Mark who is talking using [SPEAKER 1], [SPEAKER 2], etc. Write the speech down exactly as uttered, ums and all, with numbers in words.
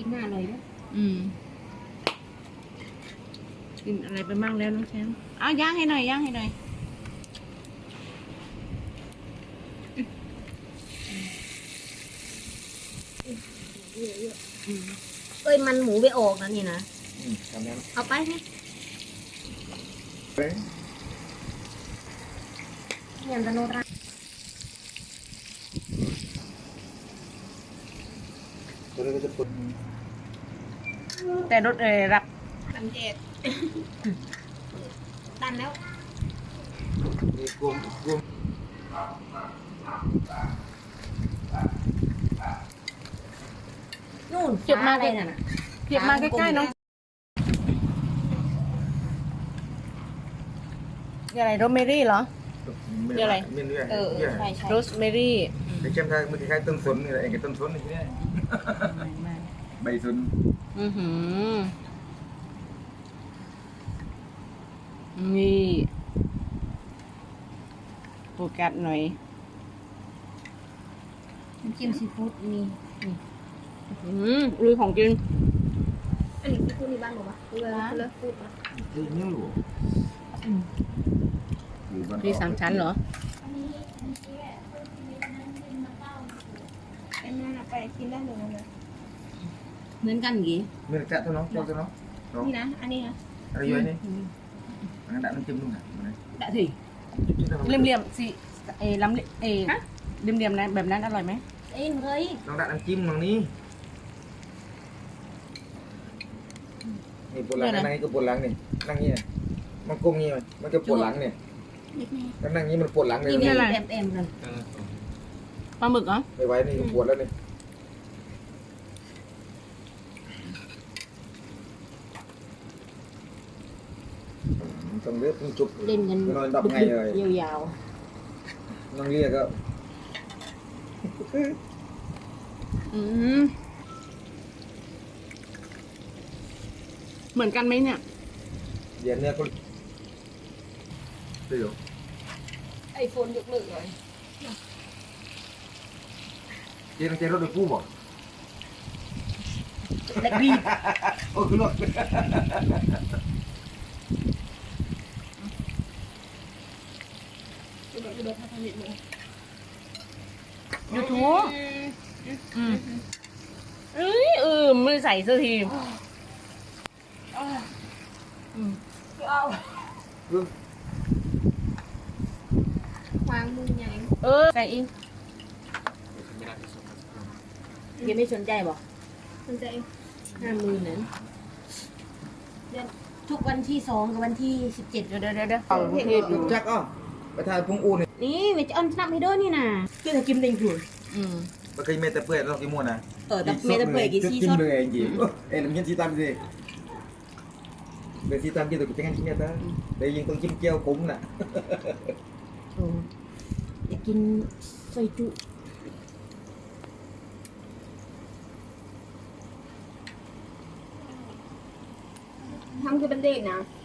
[SPEAKER 1] หน้าอร่อยด้วย
[SPEAKER 2] อืมกินอะไรไปมั่งแล้วน้องแชมป์เอาย่างให้หน่อยย่างให้หน่อย
[SPEAKER 1] เอ้ยมันหมูไปออกนะนี่นะ
[SPEAKER 3] อืมทำนั้น
[SPEAKER 1] เอาไปนี่
[SPEAKER 3] เฮ้ย
[SPEAKER 1] เงินตะโนรา
[SPEAKER 3] ตัวนี้ก็จะปุ่น
[SPEAKER 2] แต่รถเออรับ
[SPEAKER 1] ลำเจ็ดตันแล้ว
[SPEAKER 3] มีกลุ่มกลุ่ม
[SPEAKER 1] นู่น
[SPEAKER 2] เก็บมา
[SPEAKER 1] อะไร
[SPEAKER 2] ใกล้
[SPEAKER 1] น่ะ
[SPEAKER 2] เก็บมาใกล้ๆน้องนี่อะไรโรสเมรี่เหรอ มีอะไร
[SPEAKER 3] มีเรื่อย
[SPEAKER 1] เออเอ
[SPEAKER 3] เรื่
[SPEAKER 1] อ
[SPEAKER 3] อย
[SPEAKER 1] ใช่ใช่
[SPEAKER 2] โรสเมรี่
[SPEAKER 3] ไอ้เจ้าทางมันคล้ายๆต้นสนนี่แหละเองกับต้นสนนี่เนี่ยใบสน
[SPEAKER 2] อือหือนี่โฟกัสหน่อย
[SPEAKER 1] น้ำจิ้มซีฟู้ดมีนี่
[SPEAKER 2] อืมลุยของกิน
[SPEAKER 1] อันนี้ซีฟู้ดในบ้านบอกว่าเลิศเลิศฟู้ดนะ
[SPEAKER 3] ที่นี่หลวงอยู่บ้าน
[SPEAKER 2] มีสามชั้นเหรอ
[SPEAKER 1] ไอ้นั่นไปกินได้เลยนะ
[SPEAKER 2] เหมือนกันกี่
[SPEAKER 3] มีแต่ตัวน้องเจ้าตัวน้องน้อง
[SPEAKER 1] นี่นะอันนี้นะ
[SPEAKER 3] อะไรอยู่นี่อันนั้นน้ำจิ้มนู่นน่ะ
[SPEAKER 2] ได้สิเลี่ยมๆสิเอลำเอเลี่ยมๆนะแบบนั้นอร่อยไหม
[SPEAKER 1] เอ้ยเฮ้ย
[SPEAKER 3] น้องดัดน้ำจิ้มตรงนี้นี่ปวดหลังนั่งนี่ก็ปวดหลังนี่นั่งนี่มันก้มนี่มันก็ปวดหลังเนี่ยแล้วนั่งนี่มันปวดหลังเลย
[SPEAKER 1] นี่อะไรเอ็มเอ็มเลย
[SPEAKER 2] ปลาหมึกเหรอ
[SPEAKER 3] ไม่ไหวนี่ปวดแล้วนี่ต้องเลือกต้องจุบ
[SPEAKER 1] เล่นกัน
[SPEAKER 3] นอนดับไงเลย
[SPEAKER 1] ยาว
[SPEAKER 3] น้องเรียกก็
[SPEAKER 2] อืมเหมือนกันไหมเนี่ย
[SPEAKER 3] เดี๋ยวเนี่ยก็เดี๋ยว
[SPEAKER 1] ๆไอโฟนยกเลิกเลย
[SPEAKER 3] เจ๊ต้องเจ๊รถโดยผู้บอก
[SPEAKER 1] เล็กดี
[SPEAKER 3] โอ้คือรถ
[SPEAKER 1] ดูดูท่าทางนิดนึง
[SPEAKER 2] ยูทูบอืมเอ้ยเออไม่ใส่สักทีอืม
[SPEAKER 1] เอา
[SPEAKER 3] เรื่อง
[SPEAKER 1] วางมือใหญ่
[SPEAKER 2] เออใส่เองยังไม่สนใจบอก
[SPEAKER 1] สนใจ
[SPEAKER 2] ห้าหมื่นนั้น
[SPEAKER 1] เดือนทุกวันที่สองกับวันที่สิบเจ็ด
[SPEAKER 2] เดี๋ยวเดี๋ยวเดี๋ยวเดี๋ยวเอาประเทศอยู่
[SPEAKER 3] จักอ้อไปถ่ายพงอูนี่
[SPEAKER 1] นี่เวจะออนสนับให้ด้วยนี่นะคือจะกินเต็งถุน
[SPEAKER 2] อืม
[SPEAKER 3] มันเคยเมตะเปื่อยเรากี่ม้วนนะ
[SPEAKER 1] เออแต่เมตาเปื่อยกี่ชีช็อต
[SPEAKER 3] เลยจริงเอ็นมันยันชีตามสิเดี๋ยวชีตามกี่ตัวกินกันชิ้นเนี้ยตาเดี๋ยวยิงต้องจิ้มเจียวคุ้มน่ะ
[SPEAKER 1] โอ้อยากกินซอยจุทำคือเป็นเด็กนะ